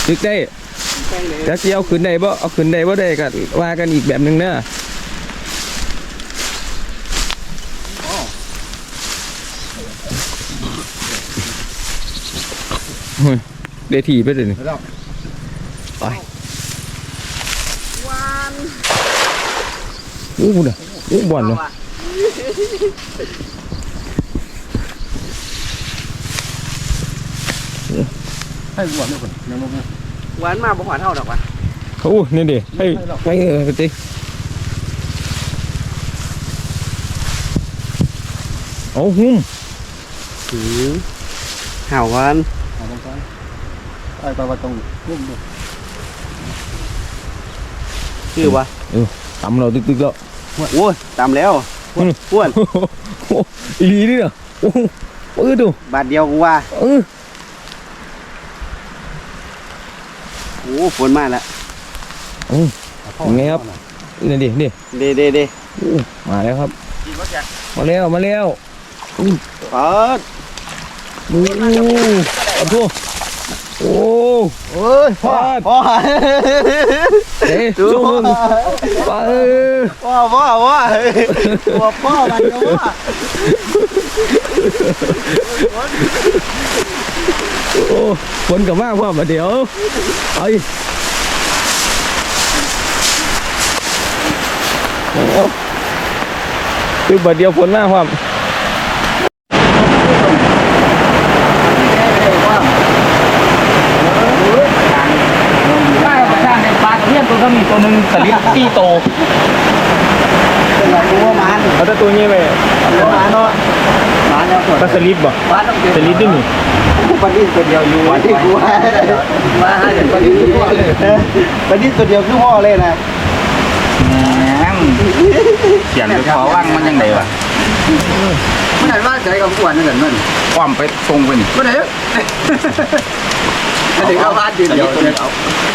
ตึกได้จะเอาขึ้นได้บ่เอาขึ้นได้บ่ได้ก็ว่ากันอีกแบบนึงเนอะเดทีไปเลยนี่ไปอู้บุญอ่ะอู้บ่อนเลยให้หวานด้วยคนยังลงหวานมาบ่หวานเท่าดอกวะเขานี่ดิให้ไปไปติโอ้หุ้มห่าวหวานเอาลงไปไอ้ปลาตรงรุ่มด้วยคือวะตำเราตึกๆแล้วโอ้ยตามแล้วอ้วนอีลีนี่เนาะโอ้ดูบาทเดียวกูว่าโอ้ฝนมาแล้วไงครับนี่ดิเดมาแล้วครับมาแล้วเปิดเอาทั่วโอ้เอ้ยพ่อเอ๊ะสู้มึงไปพ่อมันก็ว่าโอ้ฝนกับมากพ่อมาเดี๋ยวไปคือบัดเดียวฝนมากครับตัวก็มีตัวหนึ่งสลิดที่โตรู้ว่ามันเขาจะตัวนี้ไปมันเนาะมันแล้วก็สลิดบ่มันต้องสลิดด้วยนี่ปลาดิ้นตัวเดียวอยู่ที่กูว่าปลาดิ้นตัวเดียวปลาดิ้นตัวเดียวคือพ่อเลยนะเขียนไปขอว่างมันยังไงวะมันหันว่าใจกับอ้วนนั่นแหละมันความไปตรงไปนี่ไม่ได้อันนี้เข้าบ้านยืนเดียวเอา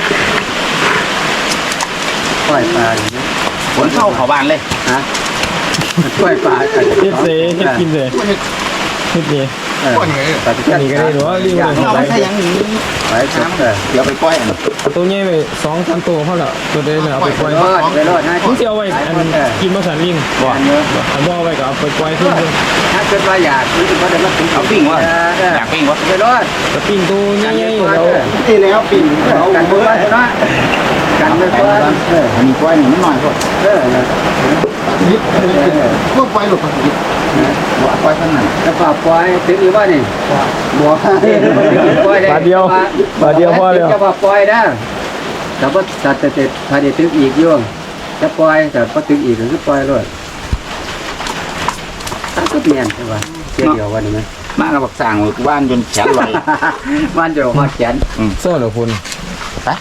ปล่อยปลาอย่างนี้ฝนเข้าเขาบ้านเลยฮะปล่อยปลาเฮ็ดเซ่เฮ็ดกินเซ่เฮ็ดนี่ก้อนไงปลานี่ก็ได้หรือว่ารีบเลยเอาไปใช้ยังนี้ไปน้ำเดี๋ยวไปปล่อยอันตัวนี้ไป2-3ตัวเขาละตัวเดียวเอาไปปล่อยไปรอดนะมึงสิเอาไว้อันกินมาสันลิงบ่อันบ่เอาไว้ก็เอาไปปล่อยขึ้นถ้าเกิดว่าอยากคือว่าเดี๋ยวมาถึงเอาปิ้งวะอยากปิ้งวะไปรอดก็ปิ้งตัวใหญ่ๆเราที่แล้วปีนเอากันเมื่อวานนะกันเมื่อวานอันนี้กล้วยนี่มันหน่อยพอนิดพวกไฟหลุดไปนิดกล้วยท่านนั้นแล้วก็ปล่อยถึงหรือว่านี่บัวปล่อยได้บาทเดียวพอแล้วจะว่าปล่อยนะแต่ว่าตัดแต่พาเดี๋ยวถึงอีกย่งจะปล่อยแต่พอถึงอีกก็ปล่อยเลยถ้าก็เปลี่ยนใช่ป่ะเกี่ยววันนี้ไหมมาเราบอกสั่งว่านจนแขนลอยมันจะมาแขนโซ่เหรอคุณไป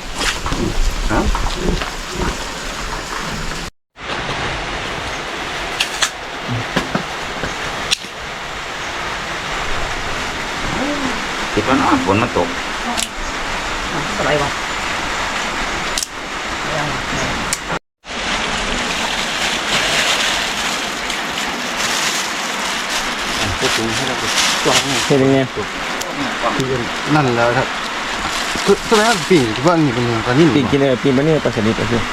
คิดว่าน้อฝนมันตกอะไรวะเฮ็ดยังไงนั่นแล้วครับตัวนั้นปีกว่านี่เป็นปลานิ่มปิ้งกินเลยปิ้งปลานี่ปลาสลิดก็คือ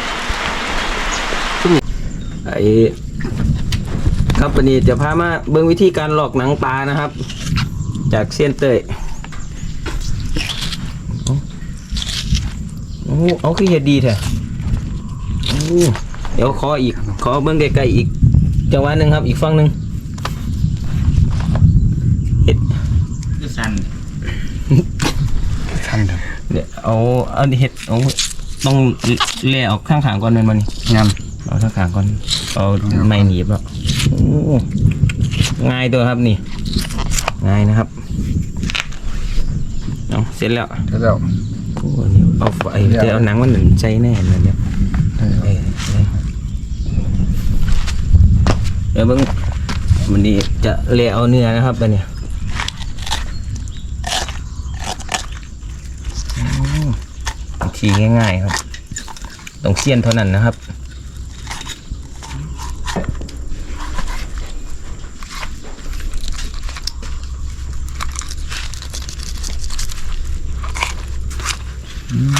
ไอ้ครับวันนี้จะพามาเบิ่งวิธีการหลอกหนังปลานะครับ จากเซียนเต้ยโอ้เอาคือเฮ็ดดีแท้โอ้เดี๋ยวขอเบิ่งไกลๆอีกจังหวะหนึงครับอีกฝั่งหนึงเฮ็ดสั่นทันเถอะเนี่ยเอาเฮ็ดเอาต้องแล่ออกข้างๆก่อนแม่นบ่นี่งามเอาข้างๆก่อนเอาไม้หนีบแล้วโอ้ง่ายตัวครับนี่ง่ายนะครับเอาเสร็จแล้วแล้วโอ้นี่เอาไฟจะเอาหนังมันหนึ่งใจแน่เลยเนี่ยเดี๋ยวเบิ่งมันนี้จะเละเอาเนื้อนะครับไปเนี่ยวิธีง่ายๆครับต้องเสี้ยนเท่านั้นนะครับ อืม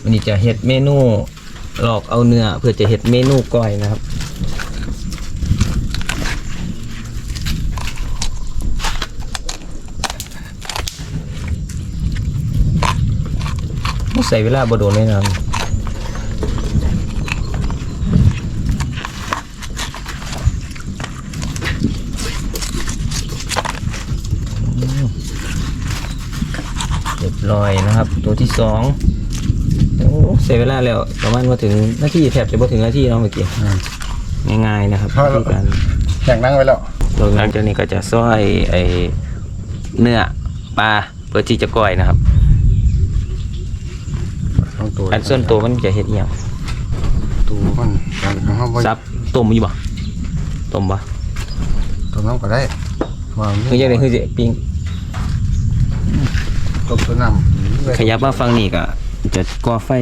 วันนี้จะเฮ็ดเมนูหลอกเอาเนื้อเพื่อจะเฮ็ดเมนูก้อยนะครับใส่เวลาบ่โดนเลยนะครับเรียบร้อยนะครับตัวที่2โอ้ใส่เวลาแล้วประมาณว่าถึงนาทีแทบจะบ่ถึงนาทีเนาะเมื่อกี้ง่ายๆนะครับวิธีการอย่างนั่งไว้แล้วหลังจากนี้ก็จะซอยไอเนื้อปลาเพื่อที่จะก้อยนะครับทั้งตัวอันส่วนตัวมันจะเฮ็ดอีหยังตัวมันการของเขาไว้ซับต้มอยู่บ่ต้มบ่ตัวน้ำก็ได้ว่าคือจังได๋คือสิปิ้งต้มตัวน้ำขยับมาฝั่งนี้ก็จะก่อไฟ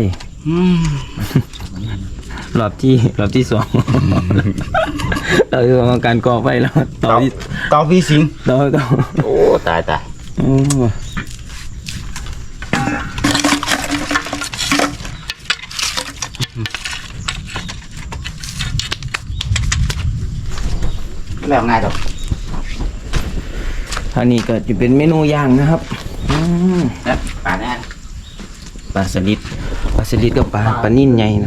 รอบที่2เราคือการก่อไฟแล้วต่อที่เตาพี่สิงต่อโอ้ตายอืมแล้วง่ายดอกอันนี้ก็จะเป็นเมนูย่างนะครับนะป่าแน่ปลาสลิดกับปลานิ่นใหญ่นะ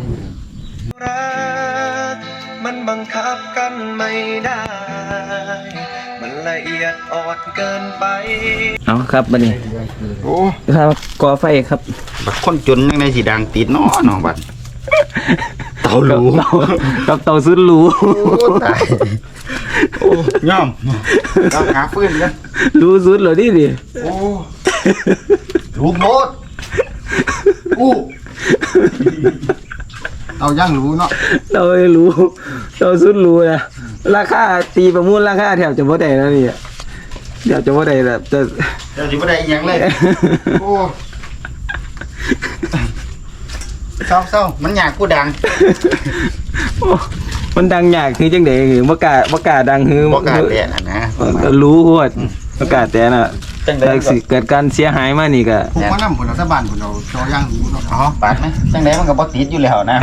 มันบังคับกันไม่ได้ มันละเอียดอ่อนเกินไปเอาครับบัดนี้โอ้ครับก่อไฟครับบัดคนจนยังไงสิดังติดเนาะน้องบัดเตาหรูกับเตาซุดหรูโอ้ตายโอ้ย่อมเราหาฟืนกันรู้สุดเลยดิโอ้รูปโมดอู้เอาย่างรู้เนาะเราไม่รู้เราสุดรู้นะราคาตีประมูลราคาแถบจะบ่ได้แล้วนี่แถบจะบ่ได้แบบจะเดี๋ยวสิบ่ได้อีหยังเลยโอ้เศร้ามันอยากกูดังมันดังยากคือจังได๋คือบ่กล้าดังคือบ่กล้าแตะนะก็รู้โคตรบ่กล้าแต่น่ะจังได๋แต่สิเกิดการเสียหายมานี่ก็พวกมันน้ำผลรัฐบาลผลเราจอย่างรู้เนาะอ๋อปาดไหมจังได๋มันก็บ่ติดอยู่แล้วนะ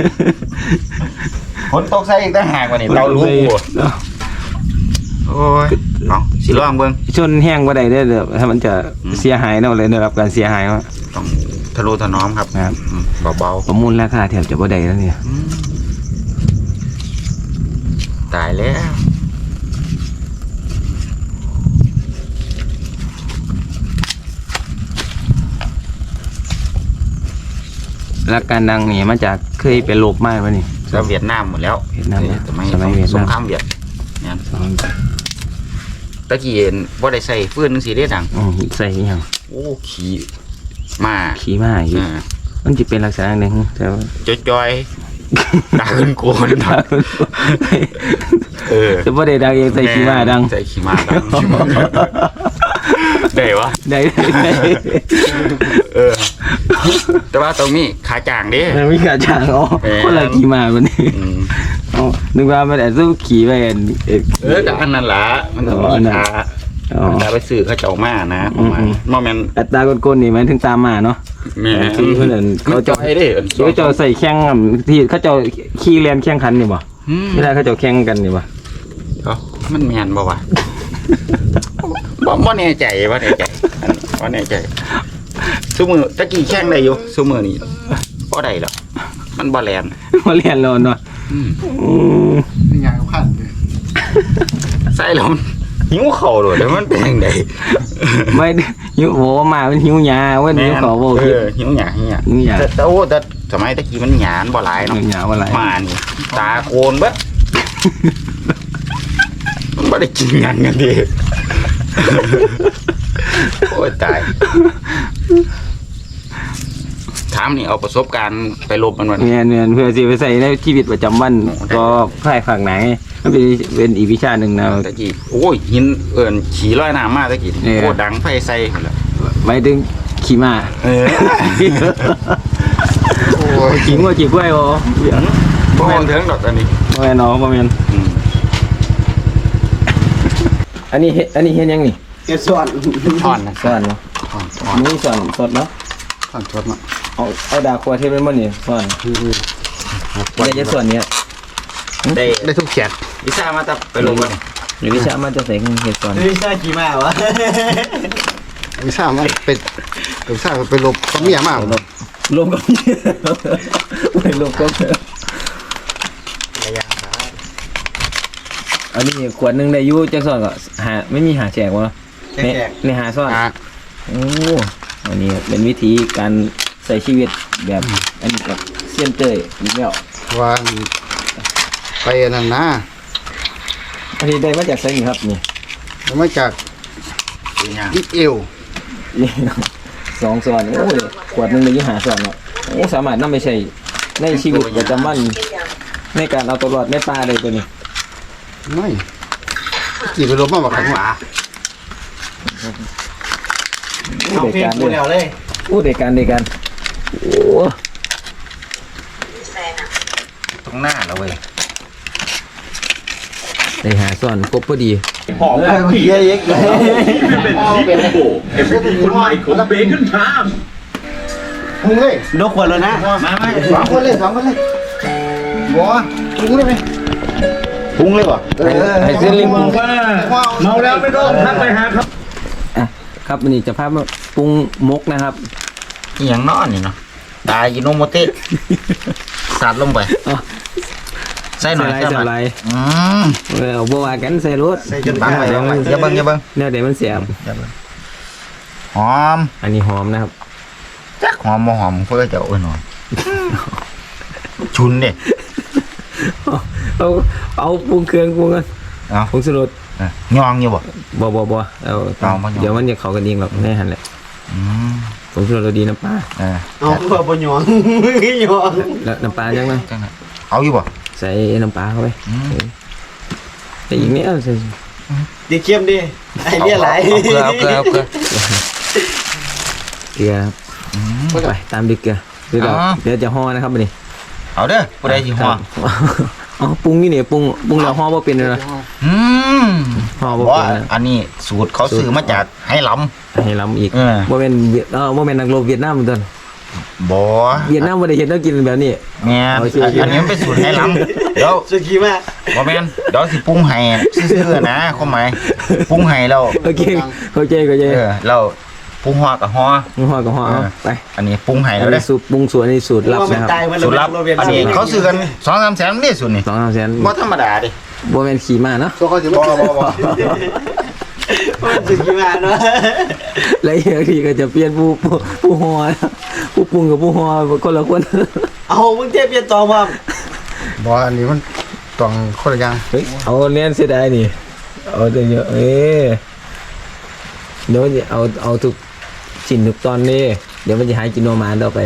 ฝนตกใส่อีกต่างหากว่านี่เรารู้กูโอ้ยเนาะสิลองเบิ่งชนแห้งบ่ได้เด้อถ้ามันจะเสียหายเนาะเลยได้รับการเสียหายมาต้องทะนุถนอมครับครับเบาประมูลราคาแถบจะบ่ได้แล้วเนี่ยๆตายแล้วรักการดังนี่มาจากเคยเป็นโรคมากวะนี่แล้วเวียดนามหมดแล้วเวียดนามสมัยเวียดสนามงครามเวียดเนี่ยตะกี้เห็นบ่ได้ใส่ฟืนจังซี่เด้ดังใส่อีหยังโอ้ขี้มาขี้ม้าอยู่อ่ามันจะเป็นลักษณะหนึ่งแต่ว่าจอยๆตาขึ้นโกนเออจะบ่ได้ดังเองใส่ขี้ม้าดังใส่ขี้ม้าดังได้วะได้เออ แต่ว่าตรงนี้ขาจางเด้มันมีกระจางอ๋อคนละขี้ม้าวันนี้อืมอ๋อนึกว่ามันแต่สู้ขี่ไปอันก็อันนั้นล่ะมันต้องมีขาอ๋อแต่ไปซื้อเขาเจ้ามานะประมาณบ่แม่นอัตราก้นๆนี่มันถึงตามมาเนาะแม่ที่เพิ่นนั่นเขาเขาจเจ้าอยเด้เขาเจ้าใส่แข่งอะที่เขาเจ้าขี่เรียนแข่งขันนี่บ่อืมเวลาเขาเจ้าแข่งกันนี่บ่เอ้ามันแม่นบ่วะบ่แน่ใจบ่แน่ใจบ่แน่ใจซุมื้อตะกี้แข่งได้อยู่ซุมื้อนี้บ่ได้หรอกมันบ่แล่นมาเรียนแล้วเนาะอืมนี่ไงเขาขั้นเลยใส่แล้วมันหิวข้าวโดดแล้วมันเป็นจังได๋ไม่หิวโหมามันหิวหยาเว้ยหิวขอบ่เอคิดอหิวหยาหิวหยาแต่โอ้แต่สมัยตะกี้มันหยาบ่หลายเนาะหิวหยาบ่หลายมานี่ตาโกนเบิดมันบ่ได้กินหยังกันดิ โอ้ยตายถามนี่เอาประสบการณ์ไปลบมันวันเนียนเพื่อสิไปใส่ในชีวิตประจำวันก็ค่ายฝากไหนมันเป็นอีกวิชาหนึ่งนะตะกี้โอ้ยหินเอิ้นขี่ลอยน้ำมาตะกี้เนี่ยโอ้ดังไฟใส่หมดแล้วหมายถึงขี่ม้าเออ โอ้ยขี่งัวขี่กล้วยบ่บ่แม่นถึงดอกอันนี้บ่แม่นเนาะบ่แม่นอืมอันนี้เฮ็ดยังนี่เกส่วนอ่อนนะสอนเนาะอ่อนมีสอนสดเนาะข้าวทอดมาเอาดาครัวเทปเป็นมันนี่ส่วนเนี่ยจะส่วนเนี้ยได้ได้ทุกแขนวิชามาตับไปลงกันหรือวิชามันจะใส่เห็ดส่วนวิชาขี่ม้าวะวิซ่ามันเป็นวิซ่าเป็นลบก็เมียมากลมก็ไม่ลมก็ระยะอันนี้ขวดหนึ่งได้ยูจะส่วนก็ไม่มีหาแจกวะในหาส่วนโอ้อันนี้เป็นวิธีการใส่ชีวิตแบบอันนี้กับเซียนเตยอีกแล้วว่าไปนั่นนะอันนี้ได้มาจากไซนี่ครับนี่มาจากเป็นยังอิเอล 2 ส่วนโอ้ยขวดหนึ่งได้ยูหาส่วนเนาะโอ้สามารถนำไปใช้ในชีวิตประจำวันในการเอาตัวรอดในป่าได้ตัวนี้ไม่กี่ไปลบมาบอกใครวะเอาเพลงกูแล้วเลยอู้เด็กกันโอ้ตรงหน้าแล้วเว้ยได้หาส่วนครบพอดีหอมเลยเยอะๆเลยเป็นซิโก้เอฟซีคนใหม่ของเบคอนไทม์พุงเลยนกขวดแล้วนะสองคนเลยบัวพุงเลยไหมพุงเลยป่ะให้เส้นลิงปรุงเมาแล้วไม่ต้องทักไปหาครับอ่ะครับวันนี้จะพามาปรุงมกนะครับนี่ยังนอนนี่เนาะตายยิโนโมเตะสาดลงไปอ๋อใส่หน่อยใส่ไรอืมเอาบัวากันใส่รถใส่จนบังไว้บังไว้อย่าเบิ่งเนี่ยเดี๋ยวมันเสียบหอมอันนี้หอมนะครับจักหอมบ่หอมเพื่อจะเอาหน่อยชุนเด้เอาปรุงเครื่องปรุงกันเอาปรุงสรสยองอยู่บ่บ่เอาเอามาหยองเดี๋ยวมันจะเข้ากันเองหรอกแน่หันแหละอืมปรุงสรสเราดีน้ำปลาเอาเพื่อปนหยองหยองแล้วน้ำปลาจังไหมจังไงเอาอยู่บ่ใส่น้ำปลาเข้าไปอืมแต่อีกนิดใส่ดิเข้มดิไอเบี้ยไหลเอาเกลือเกลือครับอืมไปตามด้วยเกลือเดี๋ยวอ๋อเดี๋ยวจะห่อนะครับวันนี้เอาเด้อผู้ใดสิห่ออ๋อปรุงนี่เนี่ยปรุงแล้วห่อบ่เป็นเลยนะอืมห่อบ่บ่เป็นนะอันนี้สูตรเขาซื้อมาจากให้ล้ให้ล้ำอีกเออบ่เป็นบ่เป็นนักรบเวียดนามเหมือนกันำบ่เวียดนามบ่ได้เห็นต้องกินแบบนี้แม่นโอเคอันนี้มันเป็นสูตรให้ล้ำเดี๋ยวสุกี้มากบ่แม่นเดี๋ยวสิปรุงให้ซื่อๆนะความหมายปรุงให้แล้วโอเคเข้าใจเราปรุงห่อกับห่อห่อก็ห่อเอาไปอันนี้ปรุงให้อัแล้วนเด้นี้สูตรปรุงสูตรอันนี้สูตรลับว่ามันนะครับตายมันสูตรลับอันนี้เขาซื้อกัน 2-3 แสนนี่สูตรนี่ 2-3แสนบ่ธรรมดาดิบ่แม่นขี่ม้าเนาะตัวเขาจะบ่มันสุกี้มากเนาะแล้วอีกทีก็จะเปลี่ยนผู้ห่อผู้ปรุงกับผู้ห่อคนละคนเอามึงเจ็บเปลี่ยนตองว่าบัวอันนี้มันต้องคนละอย่างเฮ้ยเอาเนียนเสียดายนี่เอาแต่เยอะเดี๋ยวจะเอาทุกชิ้นทุกตอนนี่เดี๋ยวมันจะหายกินโนมานต่อไป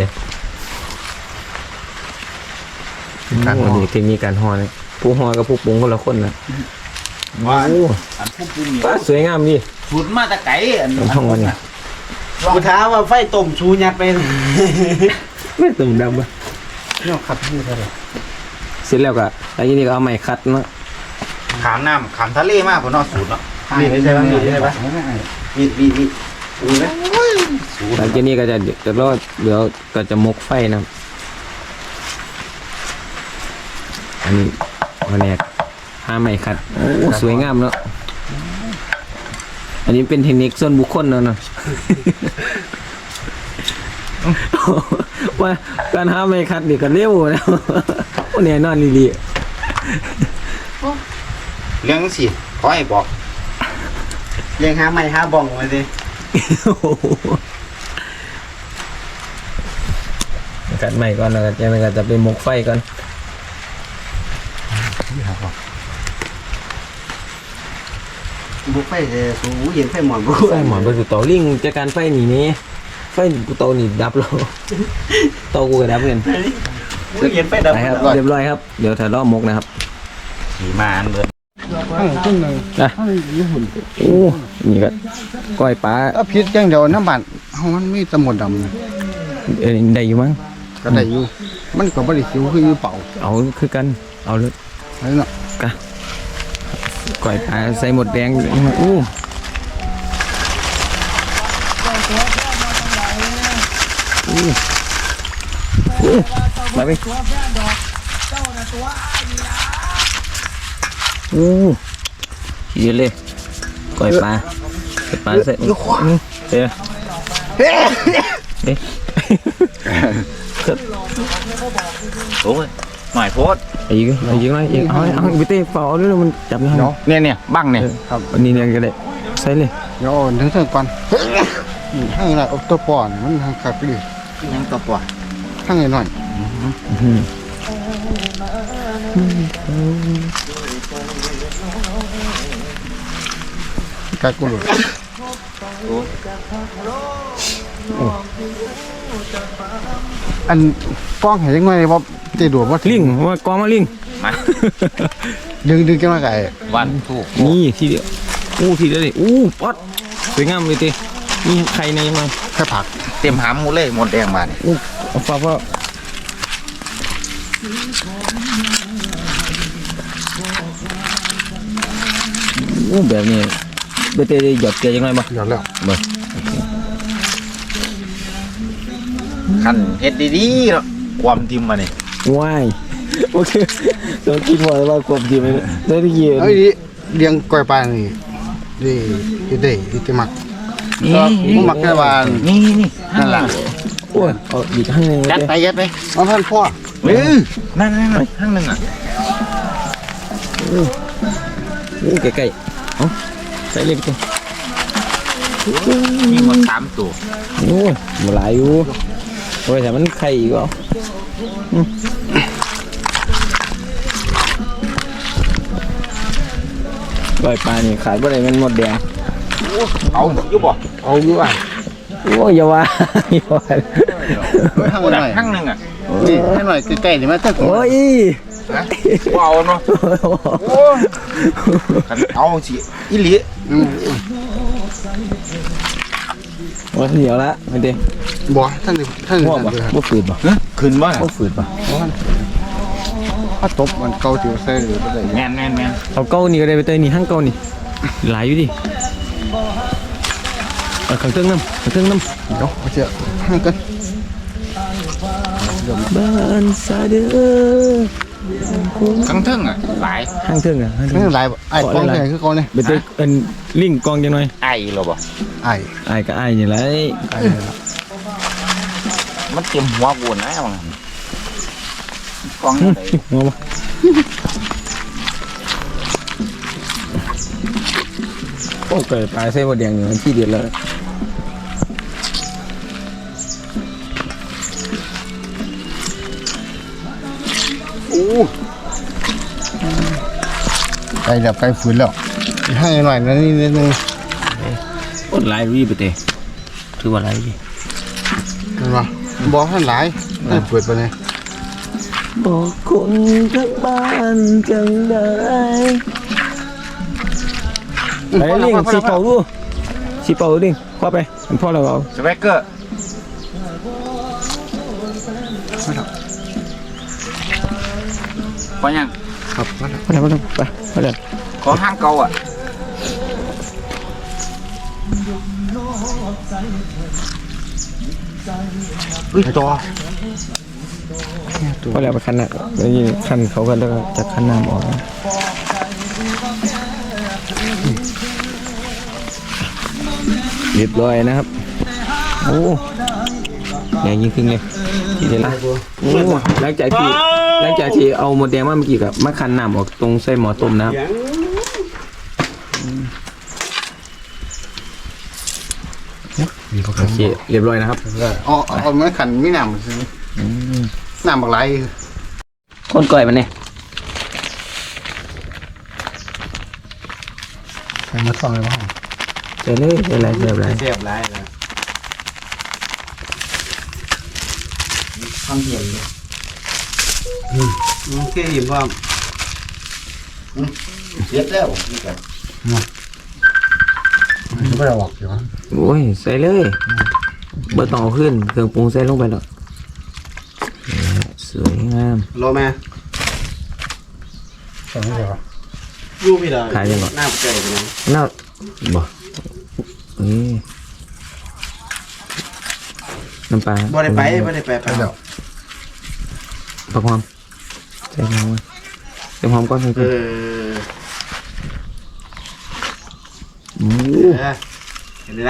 การโอ้นี่เทคนิคการห่อนะผู้ห่อกับผู้ปรุงคนละคนนะว่าโอ้อันผู้ปรุงนี่ป้าสวยงามดิสูตรมาแต่ไกลอันห้องวันนี้กูถามว่าไฟต้มชูยัดไปไม่ตุ่มดำปะเนี่ยขัดที่เท่าไหร่เสร็จแล้วก็แล้วทีนี้ก็เอาไม้คัดเนาะขามน้ำขามทะเลมากพุ่นเนาะสูตรเนาะมีดใช่ไหมมีดใช่ไหมมีดมีไหมหลังจากนี้ก็จะเดี๋ยวก็จะมกไฟนะอันนี้วันนี้ห้าไม้คัดโอ้สวยงามเนาะอันนี้เป็นเทคนิคส่วนบุคคลเนาะ ว่าการหาไม้คัดนี่ก็เร็วแล้ว โอ้เนี่ยนอนลีเรื่องสิขอให้บอกเลี้ยงหาไม้หาบ่องมาสิกัดใหม่ก่อนแล้วก็จะไปมกไฟก่อนบุกไฟสูเย็นไฟหมอนบุไฟหมอนไปสู่เตาลิงจากการไฟหนีนี้ไฟกูเตานี่ดับแล้วเตากูก็ดับเงินเย็นไฟดับไปครับเรียบร้อยครับเดี๋ยวถ่ายรอบมกนะครับขี่มาอันเบิดต้นหนึ่งนะโอ้นี่ก็ก้อยปลาถ้าพิษอย่างเดียวน้ำบานมันมีตะหมดดำนะได้อยู่มั้งก็ได้อยู่มันก็บริสิวคืออยู่เป่าเอาคือกันเอาเลยอะไรเนาะก้อยปลาใส่หมดแดงอู้มาไปเยอะเลยก่อยปลาเสร็จเฮ้ยโอ้ยหมายโพสอีกไหมอีกเอาไปเตะเฝ้าด้วยมันจับไม่ได้เนี่ยบังเนี่ยครับอันนี้เนี่ยก็ได้ใส่เลยเดี๋ยวถึงเส้นก่อนให้หน่อยตัวป่อนมันทางขาดไปดิยังตัวปวดข้างหน่อยกัดกูเลยอันป้องเห็นยังไงว่าตีดวว่าลิงว่ากองมาลิงมาดึงกันมาไก่วันถูกนี่ทีเดียวทีเดียวเลยป๊อดสวยงามเลยตีนี่ใครในยังไงแค่ผักเต็มหามหมูเลยหมดแดงมาเนี่ยเอาฟ้าแบบนี้ไปเตะหยอดเกลือยังไงบ้างหยอดแล้วขันเฮ็ดดีๆเนาะความทิมมาเนี่ยว้ายโอเคต้องคิดว่าความจริงได้ที่ยืนเอ้ยเลี้ยงกล้วยปลานี่ดีได้มัก ผมมักแค่ว่านี่นั่นล่ะโอ้ยเอาอีกข้างนึงยัดไปเอาท่านพ่อนั่นข้างหนึ่งอ่ะใกล้ๆเอาใส่เลยพี่มีหมด3ตัวโอ้ยมาหลายอยู่โอ้ยแต่มันไข่อีกอ่ะปล่อยปลานี่ขายบ่ได้มันหมดแดงเอาอยู่บ่เอาอยู่อ่ะโอ้ยอย่าว่าอย่าว่าข้างหหน่อยข้างหนึ่งอ่ะนี่ให้หน่อยใกล้ๆนี่มันจะโอ้ยเอาเนาะเอาสิอีหลีโอ้ยเหนียวละไม่ได้บ่ท่านง่วงป่ะบ่ฝืดป่ะขึ้นบ่บ่ฝืดป่ะถ้าตบมันเกาจิ๋วใส่หรืออะไรแมนเอาเก้านี่ก็ได้ไปเตยนี่ห้างเก้านี่หลายอยู่ดิขังเติ้งน้ำเดี๋ยวเอาเจ้าห่างกันบ้านซาเด้อข้างเทิงอ่ะหลายห้างเติ้งอ่ะห้างไม่เติ้งเป็นไรไอ้กองใหญ่คือเขาเนี่ยไปเตยเป็นลิงกองจังหน่อยไอ้เหรอบ่ไอ้ไอ้ก็ไอ้นี่แหละมันเต็มหัวกูนะว่างั้นกองอะไรงอป่ะโอ้เกิดปลาเส้นบดแดงอยู่ที่เดียวเลยไก่แบบไก่ฝืนแล้วให้หน่อยนะนี่นิดนึงโอ้หลายรีบไปเตะถือว่าหลายดิเห็นป่ะบอกท่านหลายให้เปิดไปเลยบอกคนทั้งบ้านจังได้ไอ้ลิงสีเป่าดูสีเป่าดิคว้าไปมันพ่อเราเอาสเปกเกอร์พอยังครับมาพ่อเราไปพ่อเราขอห้างเก่าอ่ะอุ้ยตัวพ่อเราไปคันน่ะแล้วยิงคันเขากันแล้วก็จะคันน้ำออกเรียบร้อยนะครับโอ้แดงยิ่งขึ้นเลยทีเดียวละโอ้หลังจากที่เอาหมดแดงมาเมื่อกี้กับมาคันน้ำออกตรงไส้หมอต้มนะครับโอเคเรียบร้อยนะครับเอาไม้ขันไม่หนำซื้อหนำบักไรคนก่อยมันเนี่ยใส่มาซ่อนเลยว่าเจอเลยเจออะไรเจออะไรเสียบไรนะทำเหี่ยนเลยโอเคเห็นว่าเสียบแล้วนี่กันไม่ได้ออกอยู่วะโอ้ยใส่เลยเบอร์ต่อขึ้นเครื่องปรุงใส่ลงไปแล้วสวยงามรอแม่ใส่ไม่ได้วะยูพี่ดาขายยังก่อนหน้าใจไปนะน่าบ่น้ำปลาบ่ได้ไปไปแล้วผักหอมใส่หอมใส่หอมก่อนใส่เอก่อนเห็นละ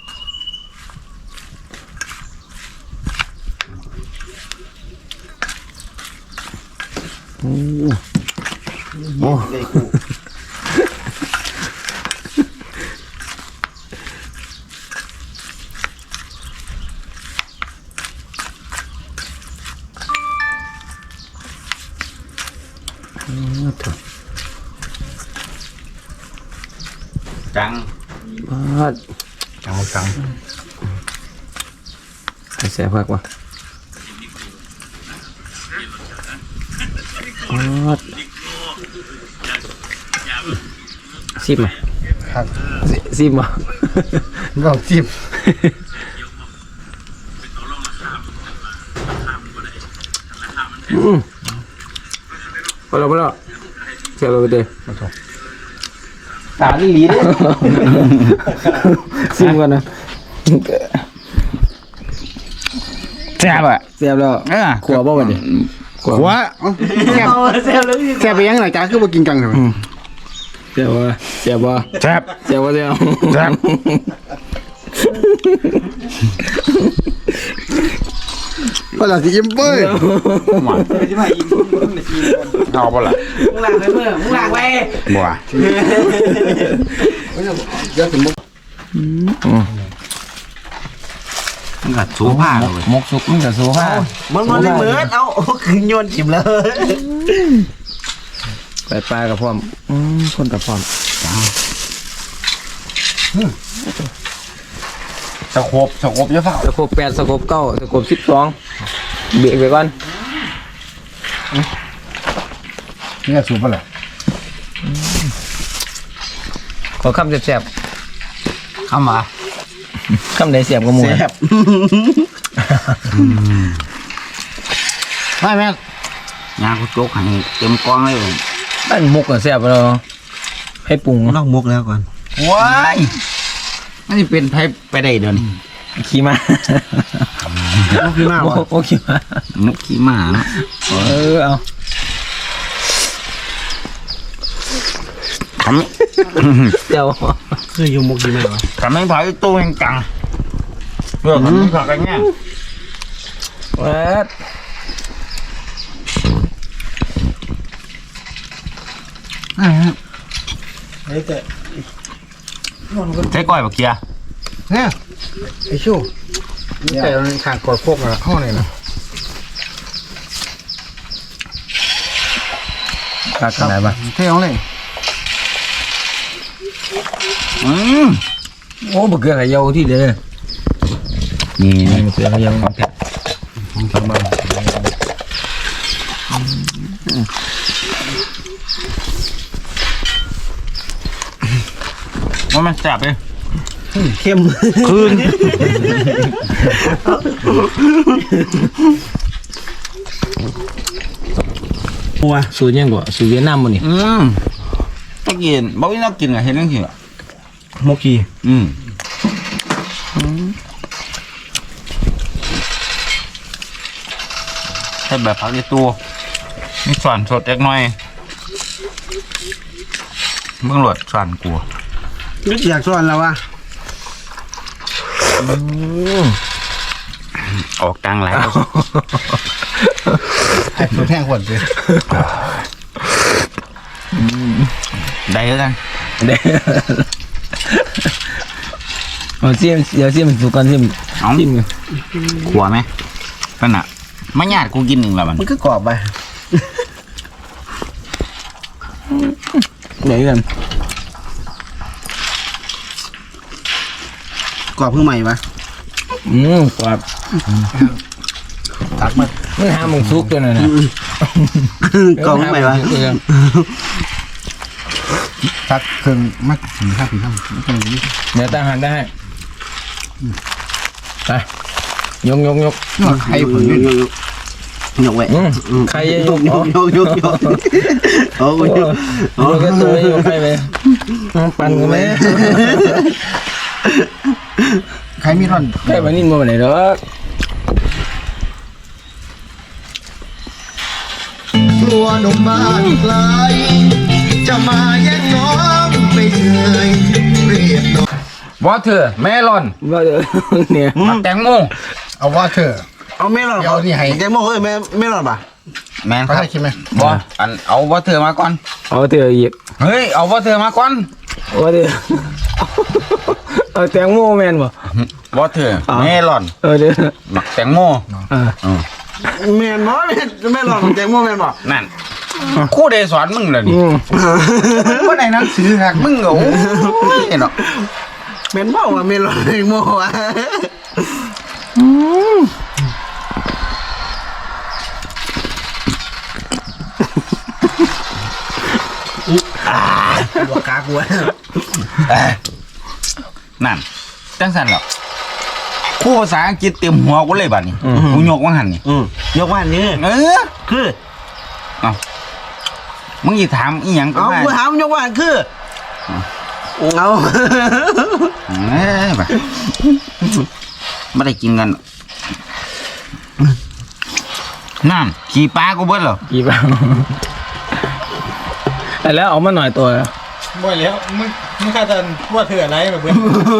โอ้ได้กูถูกจังจังแซ่บมากว่ะซิมไหมครับซิมอ่ะเราจิ้มพอแล้วเสียบไปเลยตาลีเด้ซิมกันนะแซ่บอ่ะเสียบแล้วขัวบ่วันนี้ขัวหัวแซ่บแซ่บเลยพี่แซ่บไปยังไงจ้าคือบ่กินกังใช่ไหมเสียบบ่เสียบบ่แซ่บเสียบบ่เสียบแซ่บก็จะสิอิ่มเบ้ยจะมาอีกมึงเอาบ่ล่ะล้างไปเมื่อมึงล้างไปบ่เดี๋ยวถึงมุกมันก็สูผ้าเลยมกสุกมันก็สู้ผ้ามันเลยเหมือนเอาคืนโยนจิ้มเลยไปปลากับพร้อมคนกับพร้อมสโคบเยอะเปล่าสกบ8สกบ9สกบ12เบรกไปก่อนนี่สูบไปเลยขอคำแซ่บเข้ามาๆคำใดแซ่บก็หมูแซ่บไม่แม่ยางกูโจกให้เต็มกองเลยบ้านมุกก็แซ่บแล้วให้ปรุงนอกมุกแล้วก่อนว้ายอันนี้เป็นไผไปได้เดินขี้มามุกที่หน้าโอ้วะโอ้ขี้มามุกขี้หมาเนาะเอาทำเดี๋ยวคืออยู่มุกดีไหมวะทำให้ไผตู้แห่งจังเพื่อคนที่ขักกันเนี่ยเอ็ดเฮ้ยแต่ใช้ก้อยบักเกียร์เนี่ยไอ้ชู้นี่แต่มันขางกอดโคกอะห้องนี่นะขาดขนาดปะเท่ของเลยโอ้บะเกลือไข่เยาที่เด้อนี่บะเกลือไข่เยาของแท้ว่ามันแซ่บเลยเข้มคืนหัวสูตรยังกว่าสูตรเวียดนามบ่นี่ตะกินบ่วินักกินอะเห็นจังซี่อะมุกกีใช้แบบผักในตัวมีส่วนสดเล็กน้อยเบิ่งโหลดส่วนกลัวนึกอยากสอนแล้ววะออกกลางหลายไอ้ตัวแท่งขวดเลยได้แล้วกันเด้อเอาเสียมเดี๋ยวเสียมสุกก่อนเสียมเอาจิ้มเลยขัวไหมนั่นน่ะไม่ญาติกูกินหนึ่งแล้วมันมันก็กรอบไปไหนกันกรอบเพิ่งใหม่ปะกว่าตักมามันหาหมึงซุกตัวนั้นนะกรอบเพิ่งใหม่ปะตักเครื่องมัดถึงข้าวผีข้าวไม่ต้องนี้เดี๋ยวตั้งหันได้ไปยกนี่ว่าไข่ผลนี่ยกไว้ใครจะยยกกยกยกยกยกโอ้ยโอ้ก็ตัวยกใครไปปั่นกันไหมไข่มีร่อนใครมานิ่มมาไหนหรอกตัวหนุ่มบ้านไกลจะมาแย่งน้องไม่เคยเรียกน้องวอเตอร์เมลอนว่าเดี๋ยวเนี่ยแตงโมเอาว่าเธอเอาไม่หลอดเดี๋ยวนี่ให้แกโม่เอ้ยไม่หลอดป่ะแมนคเขารับได้คิดไหมบออันเอาวอเตอร์มาก่อนเอาเถอะอีกเฮ้ยเอาวอเตอร์มาก่อนว่าเดี๋ยวเอาแตงโมแมนบ่วอเตอร์เมลอนเดี๋ยวหมักแตงโมแมนบ่ไม่หลอดแกโม่แมนบ่นั่นครู่เดสอนมึงเลยนี่ว่าในหนังสือหักมึงเหรอโอ้ยเนาะแมนบ่ว่าไม่หลอดแกโม่อะ หัวกากลัวนั่นจังสันเหรอครู่ภาษาอังกฤษเต็มหัวกูเลยบัดนี้กูยกว่าหันนี่ยกว่านี้ คือมึงอย่าถามอีหยังก็เอาได้กูถามยกว่าคือเอาเอ้ยไปไม่ได้กินกันนั่นขี่ปลากูเบิ้ลเหรอกี่บ้างแล้วเอามาหน่อยตัวบ่อยแล้วมึงคาดว่าเธออะไรแบบเพื่อน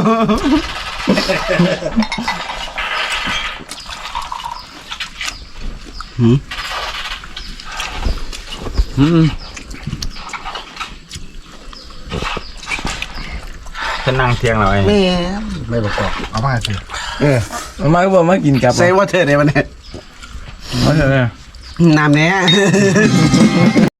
จะนั่งเทียงเราไอ้แม่ไม่ประกอบเอามาเธอเอามาก็บอกมากินกับใส่ว่าเธอในวันนี้มาเถอะน้ำเนี้ย